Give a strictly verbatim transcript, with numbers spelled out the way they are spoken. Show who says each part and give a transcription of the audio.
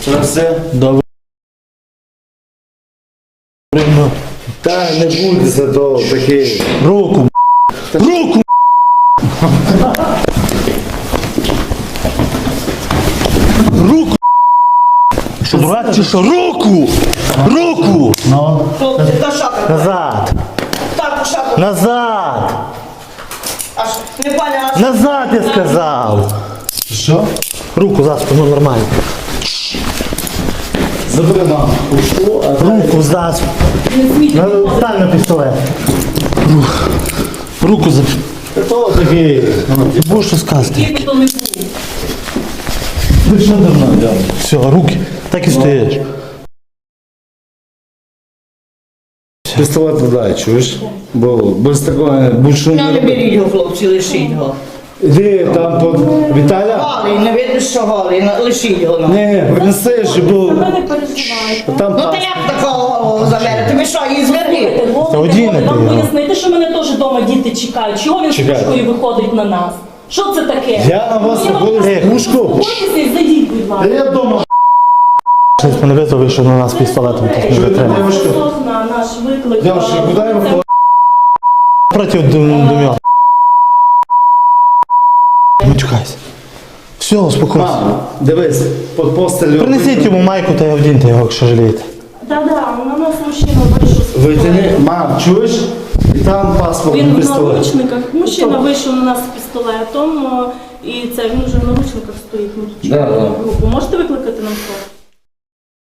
Speaker 1: Це все?
Speaker 2: Добре.
Speaker 1: Та не буде за того такий.
Speaker 2: Руку, руку! Руку! Що, дурак чи що? Руку! Руку! Ну,
Speaker 3: Хлопці, та шапка.
Speaker 2: назад!
Speaker 3: Так, шапка.
Speaker 2: Назад!
Speaker 3: Аж не паня, аж.
Speaker 2: Назад, я сказав!
Speaker 1: Що?
Speaker 2: Руку за спину, нормально.
Speaker 1: Забери маму. Ушло, а
Speaker 2: Руку за спину. На- Стань на пістолет. Рух. Руку за...
Speaker 1: хто такий?
Speaker 2: Ти будеш що сказати?
Speaker 3: Тільки то не був.
Speaker 1: Ви що давно взяли?
Speaker 2: Все, руки. Так і стоїш.
Speaker 1: Пістолет подай, чуєш? Бо без такого більше
Speaker 3: Я не беріть його, хлопці, лишіть його.
Speaker 1: Іди там по Віталя.
Speaker 3: Голий, не видно, що голий, на- лишіть його. ну.
Speaker 1: Ні, принеси ж, бо
Speaker 4: Ви не переживайте.
Speaker 1: там
Speaker 3: Ну та як такого голову заберете? Ви що, її зверніть?
Speaker 2: Та одінете
Speaker 4: Вам
Speaker 2: його.
Speaker 4: пояснити, що мене теж вдома діти чекають. Чого він з
Speaker 1: Чекають.
Speaker 4: пушкою виходить на нас? Що це таке?
Speaker 1: Я на вас
Speaker 4: Ну, я вам
Speaker 1: виходив з
Speaker 4: кажу,
Speaker 1: пушку?
Speaker 4: заспокойтеся і зайдіть, будь
Speaker 1: Та
Speaker 4: ласка.
Speaker 1: я вдома.
Speaker 2: Щось мене вийшов, вийшов на нас пістолетом. Тут не витримав.
Speaker 1: Девушка.
Speaker 4: На наш виклик.
Speaker 1: Девушка,
Speaker 4: е,
Speaker 1: куди я
Speaker 4: це-
Speaker 1: виходив?
Speaker 2: Проти дум'я. Не чекайся. Все, успокойся.
Speaker 1: Мама, дивись, під постелю.
Speaker 2: Принесіть йому майку та й одіньте його, якщо жалієте.
Speaker 4: Да-да, на нас мужчина вийшов з
Speaker 1: Витягни,
Speaker 4: пістолетом.
Speaker 1: мам, чуєш? І там паспорт
Speaker 4: Він
Speaker 1: і
Speaker 4: в
Speaker 1: пістолет.
Speaker 4: наручниках. Мужчина вийшов на нас з пістолетом. е, І це він вже в наручниках стоїть. Ми тут
Speaker 1: Да,
Speaker 4: чекаємо
Speaker 1: да.
Speaker 4: групу. Можете викликати нам хто?